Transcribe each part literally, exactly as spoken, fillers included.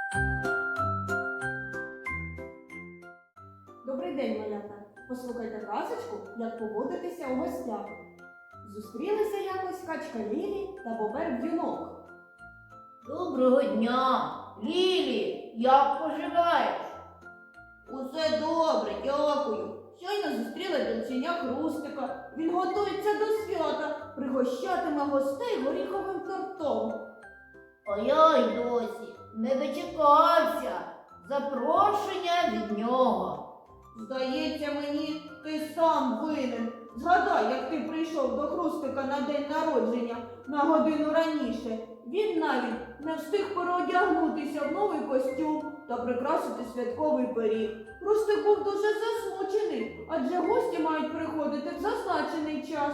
Добрий день, малята! Послухайте казочку, як поводитися у гостях. Зустрілися якось качка Лілі та бобер Б'юнок. Доброго дня, Лілі, як поживаєш? Усе добре, дякую. Щойно зустріла дівчиня Хрустика. Він готується до свята, пригощатиме гостей горіховим тортом. А я й досі не дочекався запрошення від нього. Здається мені, ти сам винен. Згадай, як ти прийшов до Хрустика на день народження на годину раніше. Він навіть не встиг переодягнутися в новий костюм та прикрасити святковий пиріг. Хрустик був дуже засмучений, адже гості мають приходити в зазначений час.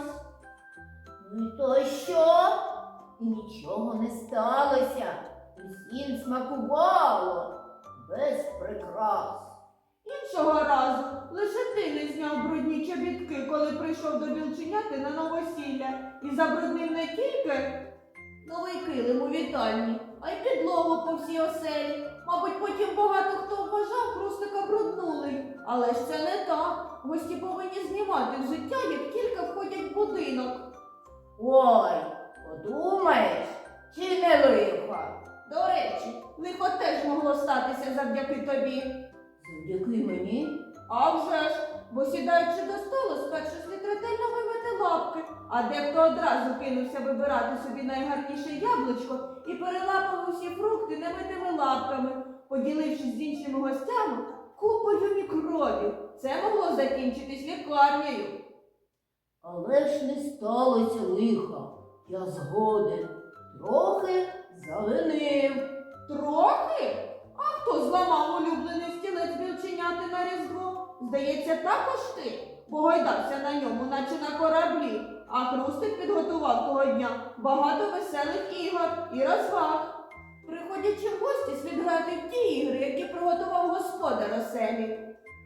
Ну і то що? І нічого не сталося. Усім смакувало без прикрас. Іншого разу лише ти не зняв брудні чобітки, коли прийшов до білченяти на новосілля і забруднив не тільки новий килим у вітальні, а й підлогу по всій оселі. Мабуть, потім багато хто вважав Хрустика бруднулий. Але ж це не так. Гості повинні знімати з життя, як тільки входять в будинок. Ой, подумаєш, чи не лихо? До речі, лихо теж могло статися завдяки тобі. Завдяки мені? А вже ж, бо сідаючи до столу, спершу слід ретельно вимити лапки, а дехто одразу кинувся вибирати собі найгарніше яблучко і перелапав усі фрукти немитими лапками, поділившись з іншими гостями купою мікробів. Це могло закінчитись лікарнею. Але ж не сталося лиха. Я згоден. Трохи завинив. Трохи? А хто зламав улюблений стілець білченяти на Різдво? Здається, також ти, бо гойдався на ньому, наче на кораблі. А Хрустик підготував того дня багато веселих ігор і розваг. Приходячи в гості, слід грати в ті ігри, які приготував господар оселі.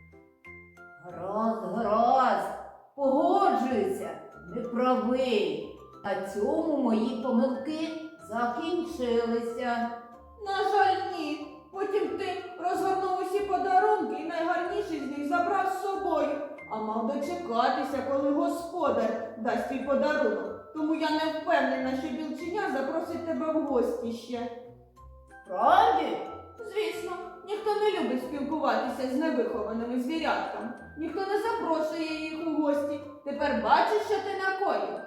Гаразд, гаразд. Погоджуюся, не правий. На цьому мої помилки закінчилися. На жаль, ні. Потім ти розгорнув усі подарунки і найгарніший з них забрав з собою. А мав дочекатися, коли господар дасть твій подарунок. Тому я не впевнена, що білченя запросить тебе в гості ще. Правді? Звісно, ніхто не любить спілкуватися з невихованими звірятками. Ніхто не запрошує їх у гості. Тепер бачиш, що ти накоїв?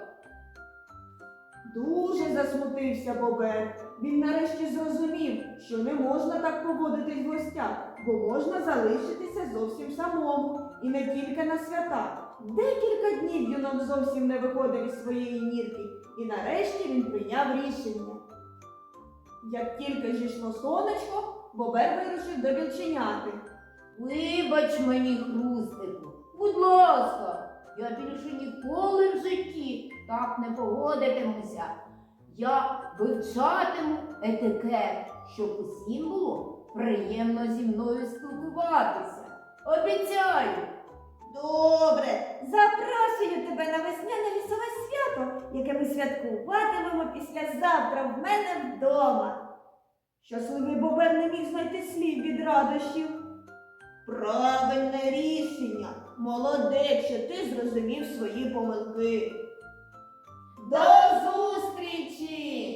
Дуже засмутився бобер. Він нарешті зрозумів, що не можна так поводитись в гостях, бо можна залишитися зовсім самому. І не тільки на свята. Декілька днів юнок зовсім не виходив із своєї нірки. І нарешті він прийняв рішення. Як тільки зійшло сонечко, бобер вирушив до білченяти. Вибач мені, Хрустику, будь ласка, я більше ніколи в житті так не поводитимуся. Я вивчатиму етикет, щоб усім було приємно зі мною спілкуватися. Обіцяю. Добре, запрошую тебе на весняне лісове свято, яке ми святкуватимемо післязавтра в мене вдома. Щасливий бобер не міг знайти слів від радощів. Правильне рішення. Молодець, що ти зрозумів свої помилки. До зустрічі!